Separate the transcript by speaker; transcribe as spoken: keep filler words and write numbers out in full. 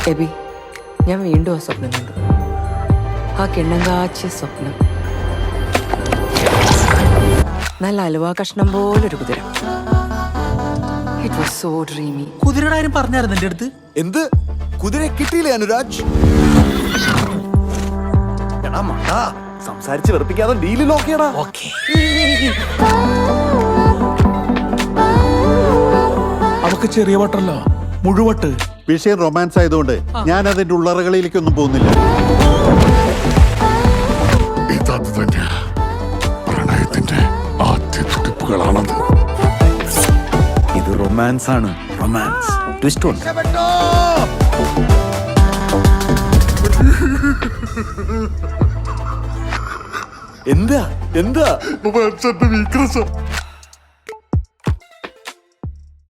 Speaker 1: AB, ഞാൻ വീണ്ടും ആ സ്വപ്നം കണ്ടു. ആ കിണ്ണം കാച്ചിയ സ്വപ്നം. നല്ല അലുവ കഷ്ണം പോലൊരു കുതിര. It was so dreamy.
Speaker 2: കുതിരയുടെ കാര്യം പറഞ്ഞായിരുന്നു എന്റെ അടുത്ത്.
Speaker 3: എന്ത് കുതിര കിട്ടിയില്ലേ അനുരാജ്? എടാ മണ്ടാ, സംസാരിച്ച് വെറുപ്പിക്കാതെ ഡീല് നോക്കിയടാ.
Speaker 2: ഓക്കേ.
Speaker 4: അവക്ക് ചെറിയ വട്ടല്ല, മുഴുവട്ട്.
Speaker 5: വിഷയം റൊമാൻസ് ആയതുകൊണ്ട് ഞാൻ അതിന്റെ ഉള്ളറകളിലേക്കൊന്നും പോകുന്നില്ല.
Speaker 4: ഇതത് തന്നെ പ്രണയത്തിന്റെ ആദ്യ തുടിപ്പുകളാണത്.
Speaker 3: ഇത് റൊമാൻസ് ആണ്, റൊമാൻസ്. ട്വിസ്റ്റ് ഉണ്ട്. എന്താ എന്താ
Speaker 4: വീക്ക്നെസ്